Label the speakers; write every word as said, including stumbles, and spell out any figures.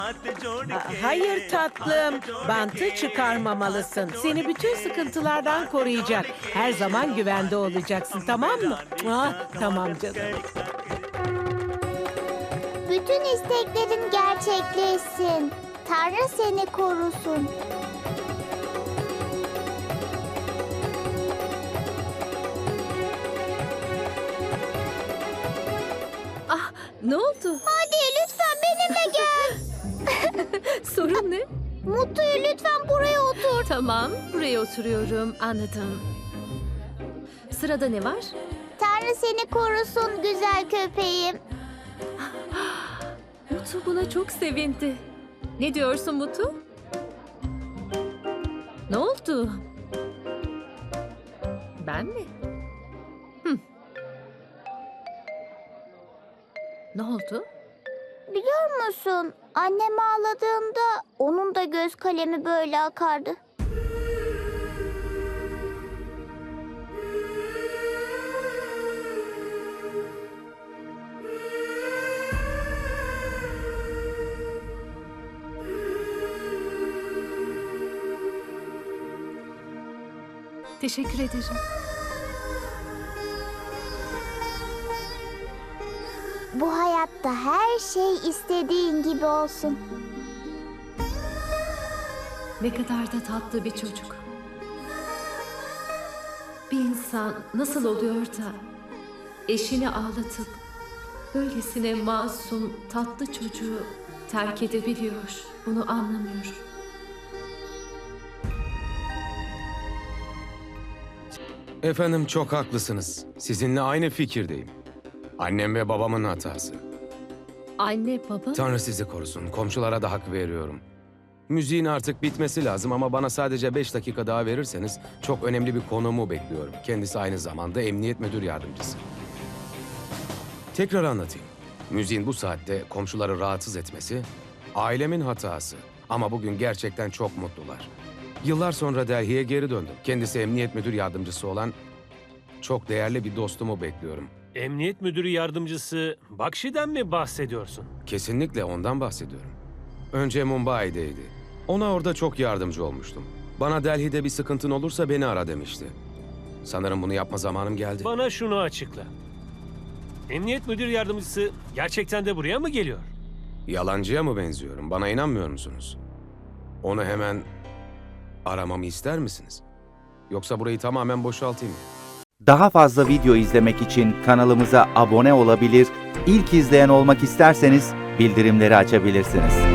Speaker 1: Hayır tatlım, bantı çıkarmamalısın. Seni bütün sıkıntılardan koruyacak. Her zaman güvende olacaksın, tamam mı? Ah, tamam canım.
Speaker 2: Bütün isteklerin gerçekleşsin. Tanrı seni korusun.
Speaker 3: Ah, ne oldu?
Speaker 2: Hadi lütfen benimle gel.
Speaker 3: Sorun ne?
Speaker 2: Mutlu'yu lütfen buraya otur.
Speaker 3: Tamam, buraya oturuyorum. Anladım. Sırada ne var?
Speaker 2: Tanrı seni korusun güzel köpeğim.
Speaker 3: Mutu buna çok sevindi. Ne diyorsun Mutu? Ne oldu? Ben mi? Hı. Ne oldu?
Speaker 2: Biliyor musun? Annem ağladığında onun da göz kalemi böyle akardı.
Speaker 3: Teşekkür ederim.
Speaker 2: Bu hayatta her şey istediğin gibi olsun.
Speaker 3: Ne kadar da tatlı bir çocuk. Bir insan nasıl oluyor da eşini ağlatıp böylesine masum, tatlı çocuğu terk edebiliyor? Bunu anlamıyorum.
Speaker 4: Efendim çok haklısınız. Sizinle aynı fikirdeyim. Annem ve babamın hatası.
Speaker 3: Anne, baba...
Speaker 4: Tanrı sizi korusun. Komşulara da hak veriyorum. Müziğin artık bitmesi lazım ama bana sadece beş dakika daha verirseniz çok önemli bir konumu bekliyorum. Kendisi aynı zamanda emniyet müdür yardımcısı. Tekrar anlatayım. Müziğin bu saatte komşuları rahatsız etmesi ailemin hatası. Ama bugün gerçekten çok mutlular. Yıllar sonra Delhi'ye geri döndüm. Kendisi emniyet müdür yardımcısı olan çok değerli bir dostumu bekliyorum.
Speaker 5: Emniyet müdürü yardımcısı Bakşi'den mi bahsediyorsun?
Speaker 4: Kesinlikle ondan bahsediyorum. Önce Mumbai'deydi. Ona orada çok yardımcı olmuştum. Bana Delhi'de bir sıkıntın olursa beni ara demişti. Sanırım bunu yapma zamanım geldi.
Speaker 5: Bana şunu açıkla. Emniyet müdür yardımcısı gerçekten de buraya mı geliyor?
Speaker 4: Yalancıya mı benziyorum? Bana inanmıyor musunuz? Onu hemen aramamı ister misiniz? Yoksa burayı tamamen boşaltayım mı?
Speaker 6: Daha fazla video izlemek için kanalımıza abone olabilir, ilk izleyen olmak isterseniz bildirimleri açabilirsiniz.